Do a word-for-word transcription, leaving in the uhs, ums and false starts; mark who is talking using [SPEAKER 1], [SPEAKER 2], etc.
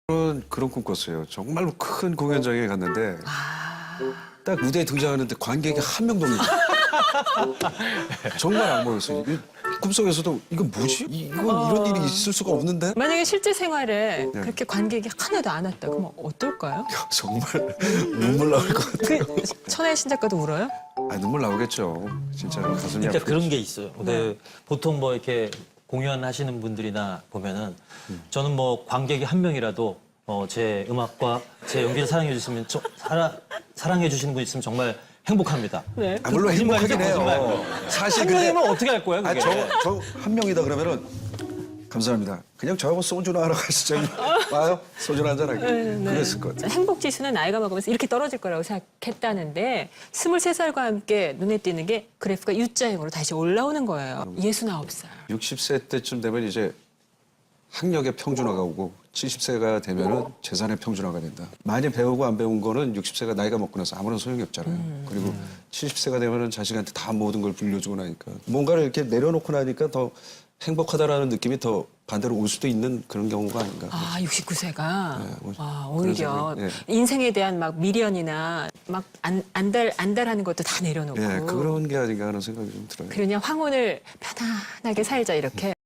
[SPEAKER 1] 그런 그런 꿈 꿨어요. 정말로 큰 공연장에 갔는데 딱 무대에 등장하는데 관객이 한 명도 없는 거예요. 정말 악몽이었어요. 이 꿈속에서도 이거 뭐지? 이- 이건 이런 일이 있을 수가 없는데?
[SPEAKER 2] 만약에 실제 생활에
[SPEAKER 1] 네.
[SPEAKER 2] 그렇게 관객이 하나도 안 왔다. 그러면 어떨까요?
[SPEAKER 1] 정말 눈물 나올 것 같아요.
[SPEAKER 2] 그 천하의 신작가도 울어요?
[SPEAKER 1] 아, 눈물 나오겠죠. 진짜로 가슴이
[SPEAKER 3] 그러니까
[SPEAKER 1] 아프겠죠.
[SPEAKER 3] 그런 게 있어요. 근데 보통 뭐 이렇게 공연하시는 분들이나 보면은 저는 뭐 관객이 한 명이라도 어, 제 음악과 제 연기를 사랑해 주시면 저, 사랑 사랑해 주시는 분 있으면 정말 행복합니다.
[SPEAKER 2] 네.
[SPEAKER 1] 아, 물론
[SPEAKER 3] 거짓말이죠,
[SPEAKER 1] 행복하긴 해요.
[SPEAKER 3] 거짓말.
[SPEAKER 1] 사실
[SPEAKER 3] 한
[SPEAKER 1] 근데
[SPEAKER 3] 명이면 어떻게 할 거야,
[SPEAKER 1] 아,
[SPEAKER 3] 그게?
[SPEAKER 1] 저, 저 한 명이다 그러면은 감사합니다. 그냥 저하고 소주나 하러 가시죠. 와요? 소주나 한잔 하게. 그랬을 것 같아요.
[SPEAKER 2] 행복 지수는 나이가 먹으면서 이렇게 떨어질 거라고 생각했다는데 스물세 살과 함께 눈에 띄는 게 그래프가 U자형으로 다시 올라오는 거예요. 예순아홉 살.
[SPEAKER 1] 육십 세 때쯤 되면 이제 학력의 평준화가 오고 칠십 세가 되면은 재산의 평준화가 된다. 많이 배우고 안 배운 거는 육십 세가 나이가 먹고 나서 아무런 소용이 없잖아요. 그리고 칠십 세가 되면은 자식한테 다 모든 걸 불려주고 나니까 뭔가를 이렇게 내려놓고 나니까 더 행복하다라는 느낌이 더 반대로 올 수도 있는 그런 경우가 아닌가.
[SPEAKER 2] 아, 육십구 세가.
[SPEAKER 1] 네, 뭐
[SPEAKER 2] 와,
[SPEAKER 1] 그런
[SPEAKER 2] 오히려
[SPEAKER 1] 생각, 예.
[SPEAKER 2] 인생에 대한 막 미련이나 막 안, 안달, 안달하는 것도 다 내려놓고.
[SPEAKER 1] 예, 그런 게 아닌가 하는 생각이 좀 들어요.
[SPEAKER 2] 그러냐 황혼을 편안하게 살자 이렇게.